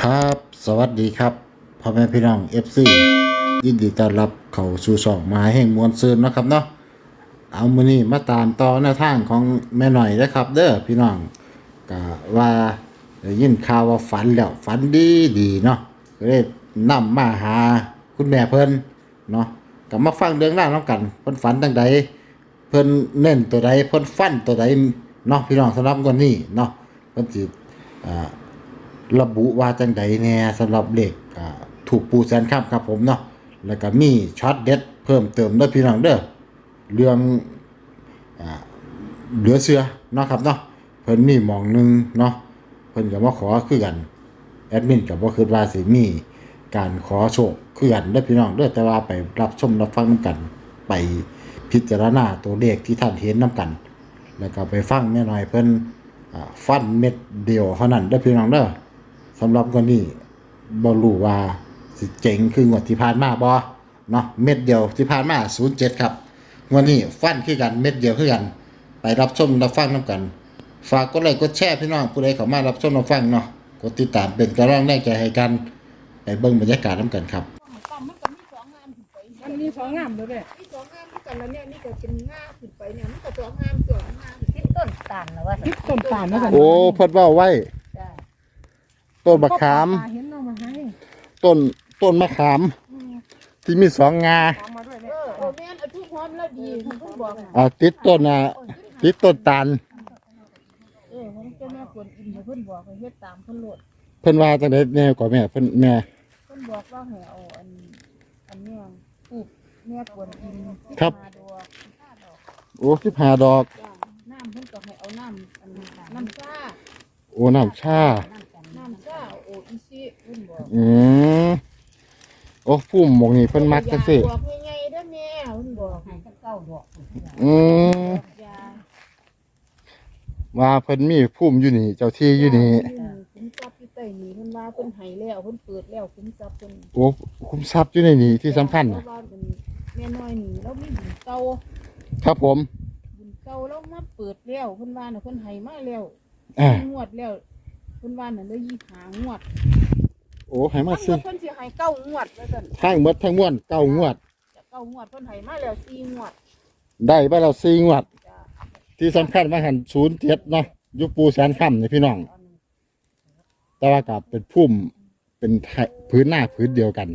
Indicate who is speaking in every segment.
Speaker 1: ครับสวัสดีครับพ่อแม่พี่น้อง FC ยินดีต้อนรับเข้าสู่ช่องมหาแห่งมวลซืนนะครับเนาะเอามื้อนี้มาตามต่อแนวทางของแม่หน่อยนะครับเด้อพี่น้องก็ว่าได้ยินข่าวว่าฝันแล้วฝันดีเนาะก็เลยนำมาหาคุณแม่เพิ่นเนาะก็มาฟังเรื่องราวนํกันเพิ่นฝันจังใดเพิ่นเน้นตัวใดเพิ่นฟันตัวใดเนาะพี่น้องสำหรับวันนี้เนาะเพิ่นสิอ่า ระบุว่าจังใดแน่สำหรับเลขถูกปูแสนค่ำครับผมเนาะแล้วก็มีช็อตเด็ดเพิ่มเติมด้วยพี่น้องเด้อเรื่องอ่าเหลือเสือเนาะครับเนาะเพิ่นมีหม่องหนึงเนาะเพิ่นก็มาขอคือกันแอดมินก็บ่คิดว่าสิมีการขอโชคคือกันเด้อพี่น้องเด้อแต่ว่าไปรับชมรับฟังนำกันไปพิจารณาตัวเลขที่ท่านเห็นนำกันแล้วก็ไปฟังแม่น้อยเพิ่นฟันเม็ดเดียวเท่านั้นเด้อพี่น้องเด้อสำหรับคนนี้บ่รู้ว่าสิเจ๋งคืองวดที่ผ่านมาบ่เนาะเม็ดเดียวที่ผ่านมา07ครับงวดนี้ฟันคือกันเม็ดเดียวคือกันไปรับชมรับฟังนำกันฝากกดไลค์กดแชร์พี่น้องผู้ใดเข้ามารับชมรับฟังเนาะกดติดตามเป็นกำลังแรงใจให้กันไปเบิ่งบรรยากาศนำกันครับ
Speaker 2: มันก็มีสองงามขึ้นไป
Speaker 3: มันมีสองงามเลยแม่
Speaker 2: มีสองงามที่กันแล้วเนี่ยนี่ก็เป็นง่าขึ้นไปเนี่ยมันก็สองงามสองงาม
Speaker 4: คิดต้นตาลนะว่า
Speaker 3: คิดต้นตาลนะกัน
Speaker 1: โอ้เพิ่นเว้าไว้ต้นมะขาม
Speaker 3: เห็นน้องมาให้
Speaker 1: ต้นมะขามที่มี2 งา
Speaker 3: เอามาด้วย
Speaker 2: เออแม่นเอาทุกพร้อมแล้วดีผมก็บอก
Speaker 1: ติดต้นติดต้นตาล
Speaker 2: ผมจะแม่ควรอินเพิ่นบอกให้เฮ็ดตามเพิ่นโลด
Speaker 1: เพิ่นว่าจังได๋แน่กว่าแม่เพิ่นแม่
Speaker 2: เพิ่นบอกว่าให้เอาอันเนี้ยปลูกแม่ควรอิน15 ดอก
Speaker 1: โอ้15 ดอก
Speaker 2: จ้าน้ำเพิ่นก็ให้เอาน้ำน้ำชา
Speaker 1: โอ้น้ำชา
Speaker 2: โออิชิเพิ่นบอก
Speaker 1: โอ้พุ่มหมองนี่เพิ่นมักจังซี่
Speaker 2: บอกง่ายๆเด้อแม่เพิ่นบอกให้
Speaker 4: ให้เก้าดอก
Speaker 2: ยา
Speaker 1: ว่าเพิ่นมีพุ่มอยู่นี่เจ้าที่อยู่นี่
Speaker 2: คุ้มทรัพย์อยู่ใต้นี่เพิ่นว่าเพิ่นให้แล้วเพิ่นเปิดแล้วคุ้มทรัพย์เพิ่น
Speaker 1: โอ้คุ้มทรัพย์อยู่ในนี่ที่สำคัญ
Speaker 2: เพราะว่าเป็นแม่น้อยนี่เรามีบุญเก่า
Speaker 1: ครับผม
Speaker 2: บุญเก่าเรามาเปิดแล้วเพิ่นว่าน่ะเพิ่นให้มาแล้วงวดแล้วเพิ่นว่าน่ะได้25 งวด
Speaker 1: โอ้ให้มาสิ
Speaker 2: เพิ่นสิให้9 งวดว่าซั่น
Speaker 1: ทั้งหมดทั้งมวล9 งวด
Speaker 2: 9 งวดเพิ่นให้มาแล้ว4 งวด
Speaker 1: ได้ไปแล้ว4 งวด
Speaker 2: จ้ะ
Speaker 1: ที่สำคัญว่าหัน07เนาะอยู่ปูแสนค่ำนี่พี่น้องแต่ว่ากับเป็นพุ่มเป็นพื้นหน้าพื้นเดียวกัน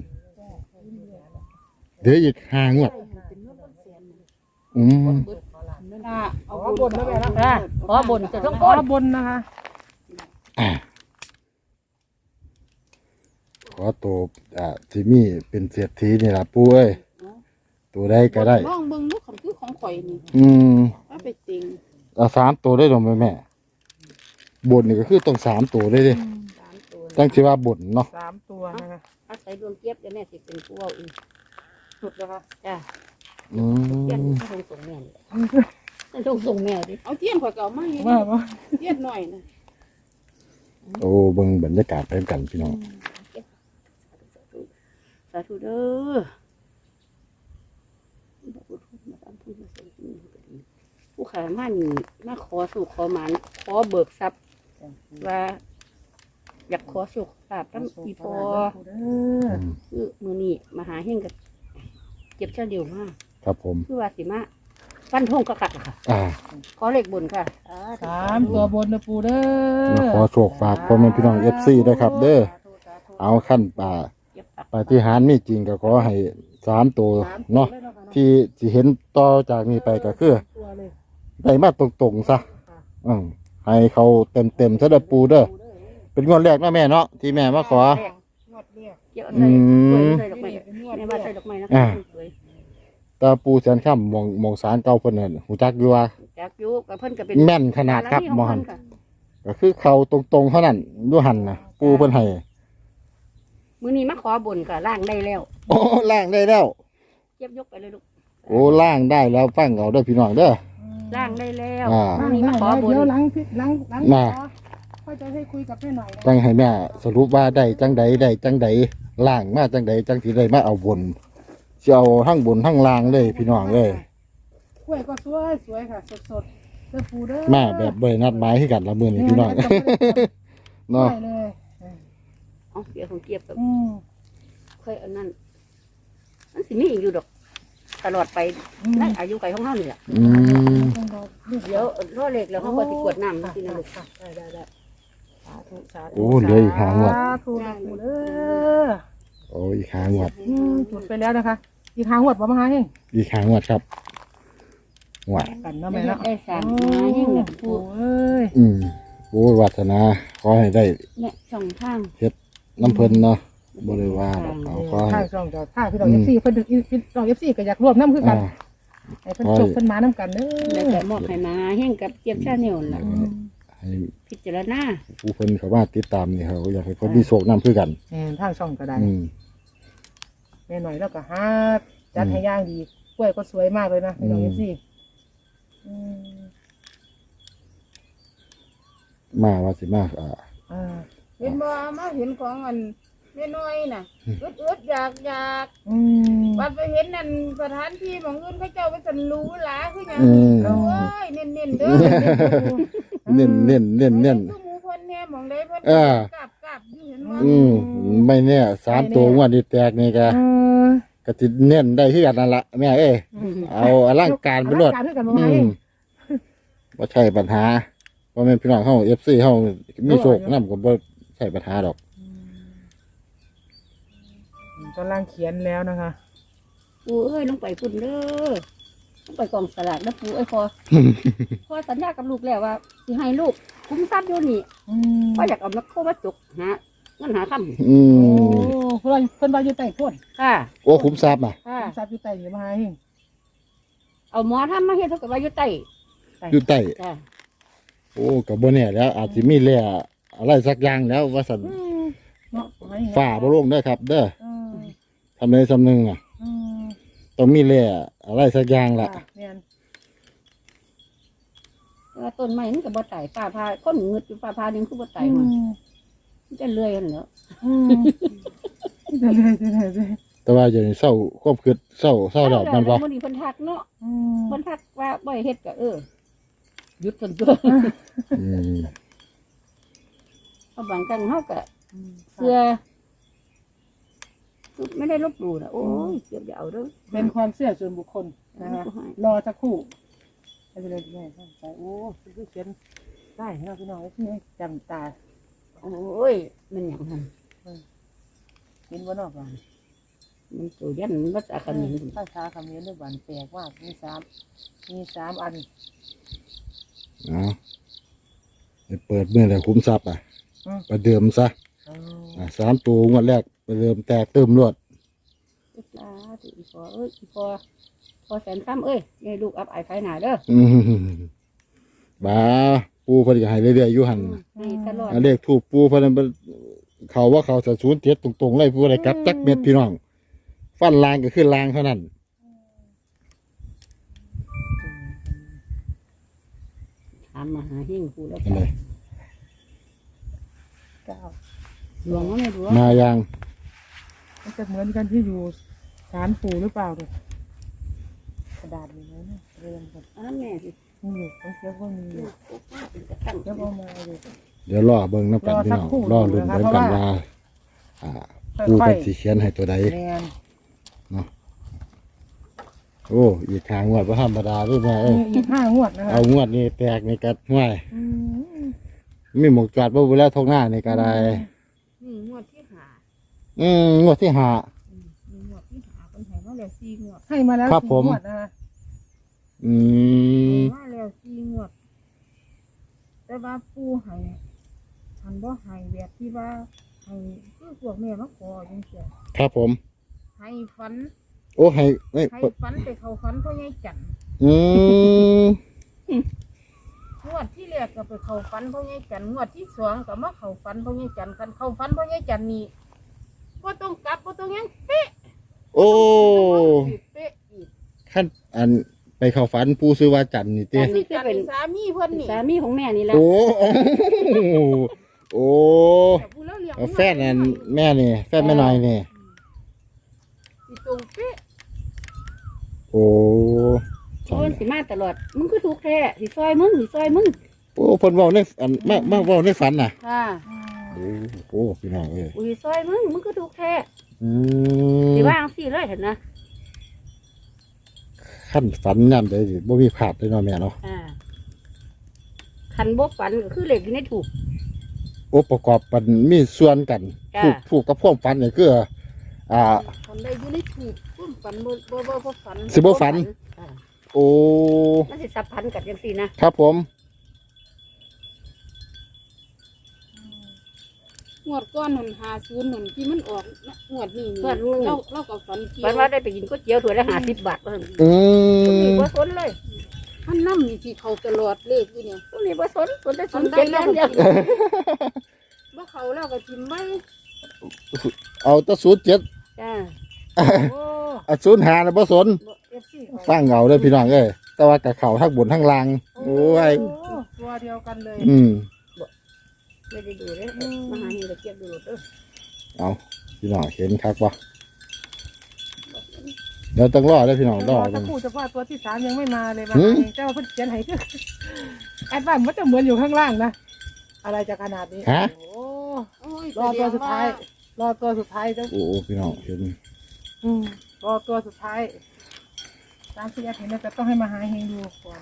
Speaker 1: เดี๋ยวอีก5 งวด
Speaker 2: เป็นเงินเป็นแสน
Speaker 3: เอาบนนะแม่นะ
Speaker 4: ขอบนจะต้อง
Speaker 3: ขอบนนะคะ
Speaker 1: ขอตัวที่มีเป็นเศรษฐีนี่ล่ะปู่เอ้ยตัวใดก็ได้
Speaker 2: ลองเบิ่งลูกของคือของข่อยนี่ว่าไปติง
Speaker 1: เอา3 ตัวได้ดอกแม่บนนี่ก็คือต้อง3 ตัวได้ดิ
Speaker 2: 3 ตัว
Speaker 1: ตั้งชื่อว่าบนเนาะ
Speaker 3: 3 ตัวนะคะ
Speaker 4: อาศัยดวงเจี๊ยบจะแม่สิเป็นผู้เอาอีก
Speaker 3: สุดนะคะ
Speaker 4: จ้าเจี๊ยบต้องส่งแม่ต้องส่งแม่ดิ
Speaker 2: เอาเทียนข่อยก็เอามาให้
Speaker 3: ว่า
Speaker 2: เทียนหน่อยนะ
Speaker 1: โอ้เบิ่งบรรยากาศไปกันพี่น้อง
Speaker 4: สาธุเด้อผู้ขามานี่มาขอสู่ขอหมานขอเบิกทรัพย์ว่าอยากขอสุขภาพตั้งปีพอคือมือนี่มาหาเฮงกับเจ็บเช่นเดียวมาก
Speaker 1: ครับผม
Speaker 4: คือว่าสิมาฟันทงกระกัดค่ะขอเลขบุญค่ะ
Speaker 3: 3 ตัวบนนะปูเด้อ
Speaker 1: ขอโชคฝากพ่อแม่พี่น้อง FC ด้วยครับเด้อเอาขั้นปาฏิหาริย์มีจริงก็ขอให้3 ตัวเนาะที่สิเห็นต่อจากนี้ไปก็คือได้มาตรงๆซะให้เขาเต็มๆซะเด้อปู่เด้อเป็นงวดแรกนะแม่เนาะที่แม่มาขอ
Speaker 2: งวดแรก
Speaker 4: เกี่ยวใส่ดอกไม้แม่ว่าใส่ดอกไม้นะคะสวย
Speaker 1: ตาปูแสนค่ำมองสารเก่าเพิ่นนั่นหูจักอยู่ว่า
Speaker 4: จากยุกับเพิ่นก็เป็น
Speaker 1: แม่นขนาดครับมอหันก็คือเขาตรงๆเท่านั้นดูหันนะปูเพิ่นให้
Speaker 4: มื้อนี้มาขอบุญค่ะล่างได้แล้ว
Speaker 1: โอ้ล่างได้แล้ว
Speaker 4: เจ็บยกไปเลยลูก
Speaker 1: โอ้ล่างได้แล้วฟังเอาเด้อพี่น้องเด้อ
Speaker 4: ล่างได้แล้ว
Speaker 3: มื้
Speaker 4: มื้
Speaker 3: อ
Speaker 4: อ
Speaker 3: นี้
Speaker 4: นี้
Speaker 3: มา
Speaker 4: มา
Speaker 3: ข
Speaker 4: ข
Speaker 3: อ
Speaker 4: อ
Speaker 3: บุ
Speaker 4: บุ
Speaker 3: ญ
Speaker 4: ญ
Speaker 3: หลังค่อยจะให้คุยกับแม่หน่อยนะ
Speaker 1: จังให้แม่สรุปว่าได้จังใดล่างมาจังใดจังสิได้มาเอาบนสิเอาทั้งบนทั้งล่างเลยพี่น้องเลย
Speaker 3: กล้วยก็สวยค่ะสดๆเด้อปูเด้อ
Speaker 1: มาแบบบ่ได้นัดหมายให้กันละมื้อนี้พี่น้องเนาะ
Speaker 3: เลย
Speaker 4: เอาเกียบของเกียบกับ
Speaker 3: อืม
Speaker 4: เคยอันนั้นมันสิมีอีกอยู่ดอก ตลอดไปในอายุไขของเฮานี่แหละ
Speaker 1: อืม
Speaker 3: ต้องรอลูก
Speaker 4: เดี๋ยวรอเล็กแล้วเฮาก็สิกวดน้ำสินะลูก
Speaker 3: ได้สาธุสาธุ
Speaker 1: โอ้เหลืออีกหางวด
Speaker 3: สาธุนะปู่เด้อ
Speaker 1: โอ้อีกหางวด
Speaker 3: จุดไปแล้วนะคะ อีกหางวดบ่มาหาเฮง
Speaker 1: อีกหางวดครับหวด
Speaker 3: กันเนาะ
Speaker 4: ได้
Speaker 3: แม่เนาะ
Speaker 4: ได้สามมายิ่งเนี่ย
Speaker 3: โอ้
Speaker 4: ผู้
Speaker 3: เอ้ย
Speaker 1: โอ้ยวาสนาขอให้ได้
Speaker 4: เนี่ยช่องทาง
Speaker 1: น้ำเพิ่นเนาะบ่ได้ว่าดอกเอาขอ
Speaker 3: ทา
Speaker 1: ให้
Speaker 3: งช่องจะทางพี่น้อง FC เพิ่นดึกพี่น้อง FC ก็อยากร่วมน้ำคือกัน
Speaker 1: อ่า
Speaker 3: ให้เพิ่นจบเพิ่นมาน้ำกันเด้
Speaker 4: แล้ว
Speaker 3: อ
Speaker 4: ก็มอบให้มาแห่งกับเจี๊ยบชาแนลล่ะ
Speaker 1: ให้
Speaker 4: พิจารณา
Speaker 1: ผู้เพิ่นเขามาติดตามนี่เขาอยากให้เพิ่นมีโชคนำคือกัน
Speaker 3: แม่นทางช่องก็ได้
Speaker 1: อืม
Speaker 3: แม่หน่อยแล้วก็หาจัดให้ย่างดีกล้วยก็สวยมากเลยนะพี่น้อง FC อืม
Speaker 1: มาว่าสิมา
Speaker 3: อ่า
Speaker 2: เห็นบ่มาเห็นของอันแม่น้อยน่ะอึดๆอยาก
Speaker 3: อืม
Speaker 2: บัดไปเห็นนั่นสถานที่ของอื่นเขาเจ้าไปสันรู้หลาคือหยัง
Speaker 1: อืม
Speaker 2: โอ้ยเน้นๆเด้อ
Speaker 1: เน้นเน้นเน้นเน้น
Speaker 2: คือหมู่เพิ่นแน่หมองใดเพิ่น
Speaker 1: เออ
Speaker 2: กราบอยู่เห็นบ่
Speaker 1: ไม่แน่3ตัวงวดนี้แตกนี่ก็
Speaker 3: เออ
Speaker 1: ก็สิเน้นได้คือกันนั่นล่ะแม่เอ้ยเอาอลังการไปรวด
Speaker 3: อลังการคือกันบ่
Speaker 1: อื
Speaker 3: มาเอ
Speaker 1: ม
Speaker 3: ง
Speaker 1: บ่ใช่ปัญหาเพราะแม่นพี่น้องเฮา FC เฮามีโชคนำก็บ่ใช่ปัญหาดอก
Speaker 3: กำลังเขียนแล้วนะคะ
Speaker 4: ปูเอ้ยลงไปพุ่นเด้อลงไปกองสลากนะปูเอ้ยพอสัญญากับลูกแล้วว่าสิให้ลูกคุ้มทรัพย์อยู่นี่
Speaker 3: อืม
Speaker 4: ก็อยากเอานักโคมาจกหาเงินหาค
Speaker 1: อื
Speaker 3: โอ้
Speaker 1: ม
Speaker 3: เพิ่นว่าอยู่ใต้โพด
Speaker 4: ำค่ะ
Speaker 1: โอ้คุ้มทรัพย์อ่ะ
Speaker 4: ค่ะ
Speaker 3: ทราบอยู่ใต้อยู่มาเอง
Speaker 4: เอาหมอทำมาเฮ็ดเท่ากับว่าอยู่ใต้
Speaker 1: อยู่ใต้
Speaker 4: จ้ะ
Speaker 1: โอ้ก็บ่แน่แล้ว อาจสิมีแร่อะไรสักอย่างแล้วว่าซั่น
Speaker 3: เนาะมาเอง
Speaker 1: ฝ่าบ่ลงเด้อครับ เด้อ
Speaker 3: อืม
Speaker 1: ทำใดสำนึงอ่ะ
Speaker 3: อืม
Speaker 1: ต้องมีแร่อะไรสักอย่างล่ะ
Speaker 3: ค่ะแม่น
Speaker 4: แต่ว่าต้นไม้มันก็บ่ตายฟ้าผ่าคนงึดอยู่ฟ้าผ่านึงคือบ่ตาย
Speaker 3: อื
Speaker 4: มัน
Speaker 3: ม
Speaker 4: มันจะเลื่อยกันเหรอ
Speaker 3: อืมเดี๋ยวเลย
Speaker 1: แต่ว่าอย่างนี้เศร้าความคิดเศร้าดอกมันบ่
Speaker 4: มื้อนี้เพิ่นทักเนาะ
Speaker 3: อืม
Speaker 4: เพิ่นทักว่าบ่ให้เฮ็ดก็หยุดเพิ่นตัว
Speaker 1: อืม
Speaker 4: เอาบางครั้งเฮาก็เชื่อคือไม่ได้ลบหลู่นะโอ้ยเก็บอย่าเอาเด้อ
Speaker 3: เป็นความเชื่อส่วนบุคคลนะคะรอสักครู่ให้ไปเลยแม่ใส่โอ้คือเขียนได้เนาะพี่น้องที่จำตา
Speaker 4: โอ้ยมันหยังหั่น
Speaker 3: เห็นว่านอกบ้าน
Speaker 4: มันตัวยันมันภาษาเขมร
Speaker 3: ภาษาเขมรด้วยบ้านแปลกมากมี3อัน
Speaker 1: เอาไปเปิดเมื่อไหร่คุ้มทรัพย์อ่ะ
Speaker 3: อืม
Speaker 1: ประเดิมซะ 3ตัวงวดแรกประเดิมแตกเติมรวด
Speaker 4: อีปลาถืออีพอเอ้ยอีพอแสนซ้ำเอ้ยให้ลูกอับอายภายหน้าเด้อ
Speaker 1: อืมบ้าปูเพิ่นก็ให้เรื่อยๆอยู่หั่น
Speaker 4: ให้ตลอด
Speaker 1: อันเลขถูกปูเพิ่นนเขาว่าเขาจะ07ตรงๆเลยผู้ใดกลับจักเม็ดพี่น้อง ฟันลางก็คือลางเท่านั้น
Speaker 4: ถามมาหาเฮงกูแล้ว
Speaker 1: อันเลย
Speaker 3: 9
Speaker 4: หลวงว่าไม่รู้
Speaker 1: มายัง
Speaker 3: มันจะเหมือนกันที่อยู่ศาลปู่หรือเปล่าเนี่ยกระดาษมีไหมเนี่ยเรียนกัน
Speaker 4: อันนั้นแม่สิ
Speaker 3: มีอยู่ต้องเทียบว่ามีอยู่
Speaker 4: เป็นกระตั้ง
Speaker 3: เทียบเอามาอยู่
Speaker 1: เดี๋ยวรอเบิ่งน้ำกันพี่น้องรอลุ้นเบิ่งกันว่าอ่าปูเป็นสีเขียนให้ตัวใด
Speaker 3: แมน
Speaker 1: โอ้อีกทางงวดบ่ธรรมดาเด้วยแม่เอ้ย
Speaker 3: มีอีก5 งวดนะคะ
Speaker 1: เอางวดนี้แตกนี่กัดห้วย
Speaker 3: อืม
Speaker 1: มีหมกจอดบ่บ่แล้วทงหน้านี่ก็ได้
Speaker 2: นี่งวดที่หา
Speaker 1: งวดที่ห้า
Speaker 2: นี่งวดที่หาเพิ่นให้มาแล้ว4งวด
Speaker 3: ให้มาแล้ว
Speaker 1: ครับผม
Speaker 3: 4 งวดนะคะ
Speaker 1: อืม
Speaker 2: มาแล้ว4งวด แต่ว่าปู่ให้ทันบ่ให้แบบที่ว่าให้คือพวกแม่มาขอจังซี่
Speaker 1: ครับผม
Speaker 2: ให้ฝัน
Speaker 1: โอ้ให้เอ้ย
Speaker 2: ให้ฝันไปเข้าฝันพ่อใหญ่จันทร์
Speaker 1: อืม
Speaker 2: งวดที่แรกก็ไปเข้าฝันพ่อใหญ่จันทร์งวดที่สองก็มาเข้าฝันพ่อใหญ่จันทร์กันเข้าฝันพ่อใหญ่จันทร์นี่บ่ต้องกลับบ่ต้องหยังเป๊ะ
Speaker 1: โอ้
Speaker 2: เป๊ะอีก
Speaker 1: ขั้นอันไปเข้าฝันปูซื้อว่าจันทร์นี่เต้
Speaker 2: นี่คือเป็นสามีเพิ่นนี่
Speaker 4: สามีของแม่นี่แหละ
Speaker 1: โอ้โอ้
Speaker 2: แต่ผู้แล้วเลี้ยง
Speaker 1: เอาแฟนอันแม่นี่แฟนแม่น้อยนี่
Speaker 2: สิตรงเป๊ะ
Speaker 1: โอ้
Speaker 4: โอ้ยสิมาตลอดมึงคือถูกแท้สิซอยมึง
Speaker 1: โอ้เพิ่นเว้าในอันมาเว้าในฝันน่ะ
Speaker 4: ค่ะ
Speaker 3: อืม
Speaker 1: โอ้พี่น้องเอ้ย
Speaker 4: อุ้ยซอยมึงก็ถูกแท้
Speaker 1: อื
Speaker 4: สิ
Speaker 1: ม
Speaker 4: ว่าจังซี่เลยเห็นนะ
Speaker 1: ขั้นฝันยามใดสิบ่มีพลาดเลยเนาะแม่เนาะ
Speaker 4: คันบ่ฝันก็คือเลขอยู่ในถูก
Speaker 1: โอ้ประกอบกันมีส่วนกัน
Speaker 4: จ้ะ
Speaker 1: ถูกกับพวกฝันนี่คืออ่า
Speaker 2: ฝันได้อยู่ในถูกพุ่มฝันบ่ฝัน
Speaker 1: สิบ่ฝัน
Speaker 4: อ่า
Speaker 1: โอ้
Speaker 4: มันสิสับพันกันจังซี่นะครับ
Speaker 1: ผม
Speaker 2: งวดก้อนนั่น50นั่นที่มันออกงวดนี้นี่เราก็ฝันเกี่ย
Speaker 4: ฝัน
Speaker 2: ว
Speaker 4: ว่าได้ไปกินก๋วยเตี๋ยวถ้วยละ50 บาทเพิ่น
Speaker 1: อื
Speaker 4: มี
Speaker 1: ม
Speaker 4: บ่สนเลย
Speaker 2: มันนำนี่ที่เขาตลอดเลขอยู่เนี่ย
Speaker 4: พวกนี้บ่สนแต่ส
Speaker 2: ฝั
Speaker 4: น
Speaker 2: น
Speaker 4: เจ็
Speaker 2: ได้
Speaker 4: ด
Speaker 2: แล้
Speaker 4: แล้ว ว
Speaker 2: ก็
Speaker 4: เดียว
Speaker 2: กินบ่เขาแล้วก็ทิมไว้
Speaker 1: เอาแตะ07
Speaker 4: จ้า
Speaker 2: โอ้
Speaker 1: อ่ะ05น่ะบ่สน
Speaker 2: FC
Speaker 1: ฟังเอาเด้อพี่น้องเอ้ยแต่ว่ากับเขาทั้งบนทั้งล่างโอ้ย
Speaker 2: ตัวเดียวกันเลย
Speaker 1: อืม
Speaker 4: ไม่ได้ดูเลยมาหาเห็นตะเกียบดูเด้อ
Speaker 1: เอาพี่น้องเห็นครับว่าเดี๋ยวต้องรอได้อพี่น้องร
Speaker 3: ร
Speaker 1: อ
Speaker 3: อ
Speaker 1: กั
Speaker 3: สัก
Speaker 1: น
Speaker 3: ครู่เฉพาะตัวที่สามยังไม่มาเลยมา
Speaker 1: หืม
Speaker 3: เจ้าเพิ่นเขียนให้คือแอดบ้านมันจะเหมือนอยู่ข้างล่างนะอะไรจะขนาดนี้
Speaker 1: ฮะ
Speaker 3: โอ้
Speaker 2: โอ้ย
Speaker 3: รอตัวสุดท้าย รอตัวสุดท้ายเจ้า
Speaker 1: โอ้พี่น้องเห็น
Speaker 3: รอตัวสุดท้ายตามที่แอดเห็นนะแต่ต้องให้มาหาเฮงดูก่อน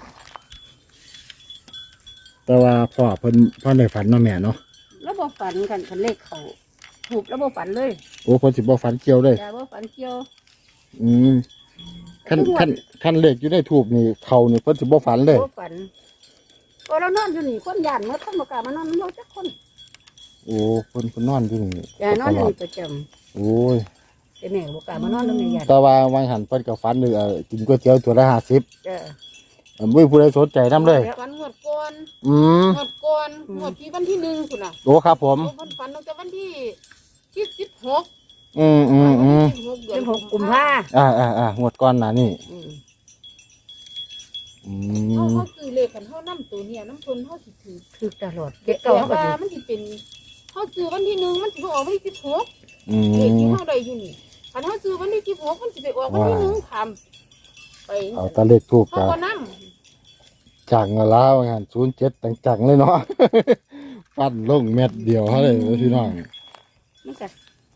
Speaker 1: แต่ว่าพ่อในฝันเนาะแม่เนาะ
Speaker 4: แล้วบ่ฝันกันคันเลขเขาถูกแล้วบ่ฝันเลย
Speaker 1: โอ้คนสิบ่ฝันเกี่ยวเลย
Speaker 4: จ้าบ่ฝันเกี่ยว
Speaker 1: อืมขั้นเลขอยู่ในทูบนี่เขานี่เพิ่นสิบ่ฝันเลย
Speaker 4: บ่ฝันพอเรานอนอยู่นี่คนย่านเมื่อคนบ่กล้ามานอนนอนจักคน
Speaker 1: โอ้เพิ่นนอนอยู่นี่
Speaker 4: อย่านอนอยู่นี่ประจำ
Speaker 1: โอ้ย
Speaker 4: แต่แม่ก็บ่กล้ามานอนนำแม่ย่าน
Speaker 1: แต่ว่าวังหันเพิ่นก็ฝันเลยกินก๋วยเตี๋ยวตัวละ50
Speaker 4: จ้า
Speaker 1: บ่มีผู้ใดสนใจนํเลย
Speaker 2: ฝันงวดก่อน
Speaker 1: อืม
Speaker 2: งวดก่อนงวดที่วันที่1พุ่นน่ะ
Speaker 1: โอ้ครับผม
Speaker 2: ฝันตั้งแต่วันที่16
Speaker 1: อืม
Speaker 2: 16เดือ
Speaker 4: เป็น น6กุมภา
Speaker 1: งวดก่อนหน้านี่
Speaker 4: อืม
Speaker 1: อื
Speaker 2: เขา
Speaker 1: ม
Speaker 2: เขาซื้อเลขกันเขานำตัวเนี่ยน้ำเพิ่นเขาสิถือ
Speaker 4: ถูกตลอด
Speaker 2: แต่
Speaker 4: เก่าก็
Speaker 2: ว่า
Speaker 4: ถูก
Speaker 2: มันสิเป็นเขาซื้อวันที่1มันสิบ่ออกวันที่16
Speaker 1: อื
Speaker 2: เลขที่
Speaker 1: ม
Speaker 2: เขาได้อยู่นี่คันเขาซื้อวันที่16มันสิไปออกวันที่1ทำไป
Speaker 1: เอาแตะเลขทูบ
Speaker 2: เขา
Speaker 1: กั
Speaker 2: ก็นำ
Speaker 1: จังแล้วงาน07จังๆเลยเนาะ ฟันลงเม็ดเดียวเท่าเลยพี่น้อง
Speaker 4: มันก็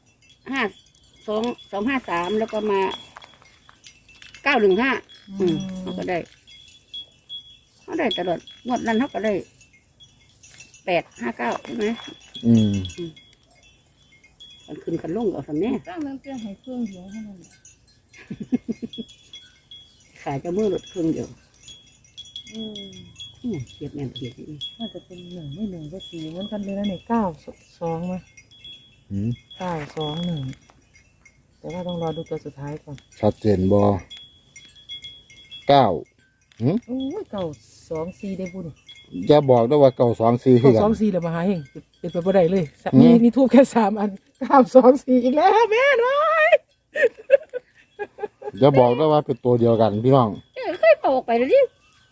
Speaker 4: 253แล้วก็มา915มันก็ได้เขาได้ตลอดงวดนั้นเขาก็ได้859ใช่ไหม
Speaker 1: อืม
Speaker 4: กันขึ้นกันลงเอาสำแน่
Speaker 2: ตั้งนั้นเพียงให้เครื่องเดียวเท่านั้น
Speaker 4: ขายจะมือรถเครื่องเดียว
Speaker 2: อืม
Speaker 4: เกียบแม่นเกียบนี่
Speaker 3: น่าจะเป็น1ไม่1ก็4เหมือนกันเลยนะเนี่ย9 2มั้ย
Speaker 1: อืม
Speaker 3: 9 2 1แต่ว่าต้องรอดูตัวสุดท้ายก่อน
Speaker 1: ชัดเจนบ่9
Speaker 3: โอ้ย9 2 4ได้บุญ
Speaker 1: อย่าบอกด้วยว่า924คือกัน
Speaker 3: 2 4เลยมาหาเฮงเป็นไปบ่ได้เลย
Speaker 1: อืม
Speaker 3: มีทูบแค่3อัน9 2 4อีกแล้วแม่น้อย
Speaker 1: อย่าบอกด้วยว่าเป็นตัวเดียวกันพี่น้อง
Speaker 4: เคยเป่าออกไปเลยดิ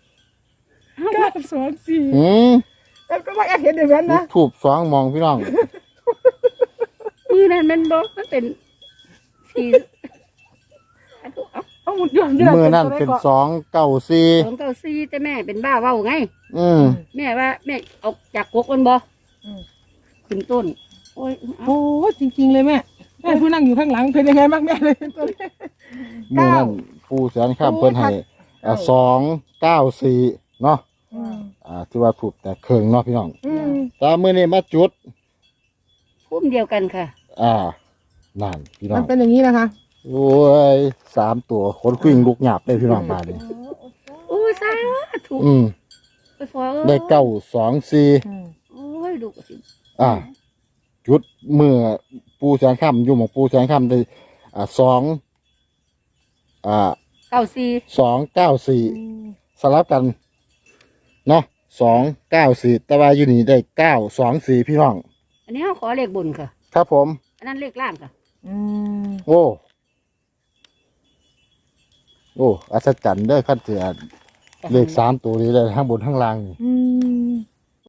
Speaker 3: 9 2 4
Speaker 1: อืม
Speaker 3: แต่ก็ว่าแอบเห็นอย่างนั้นนะ
Speaker 1: ทูบ2มองพี่น้อง
Speaker 4: มือนั้นมันบอกมันเป็นสี่อันตัวเอา
Speaker 3: เอาหมุนย้อน
Speaker 1: มือนั่นเป็น294
Speaker 4: 294แต่แม่เป็นบ้าเว้าไง
Speaker 1: อืม
Speaker 4: แม่ว่าแม่ออกจากกกมันบ่ขึ้นต้น โอ้ยเอา
Speaker 3: โอ้จริงๆเลยแม่แม่ผู้นั่งอยู่ข้างหลังเป็นยังไงบ้างแม่เลยตัวนี้
Speaker 1: มือนั่นผู้แสนข้ามเพิ่นให้294เนาะที่ว่าถูกแต่เครื่องเนาะพี่น้อง แต่มื้อนี้มาจุด
Speaker 4: พุ่มเดียวกันค่ะ
Speaker 1: นั่นพี่น้อ
Speaker 3: มั
Speaker 1: ง
Speaker 3: นเป็นอย่างนี้นะคะ
Speaker 1: โอ้ย3ตัวคนคุยงลุกหยาบเลยพี่น้องบ้านนี้
Speaker 4: โอ้ยสาธุ
Speaker 1: อืม
Speaker 4: ไปฟอ
Speaker 1: ได้924
Speaker 4: โอ้ยดูสิ
Speaker 1: จุดเมื่อปูแสนค่ำอยู่หมองปูแสนค่ำได้294สลับกันเนาะ294แต่ว่าอยู่นี่ได้924พี่น้อง
Speaker 4: อันนี้เขาขอเลขบนค่ะ
Speaker 1: ครับผม
Speaker 4: อันนั้นเลขล่างค่ะ
Speaker 1: โอ้อัศจรรย์เด้อขั้นเสียเลข3ตัวนี้เลยทั้งบนทั้งล่างนี่
Speaker 3: อืม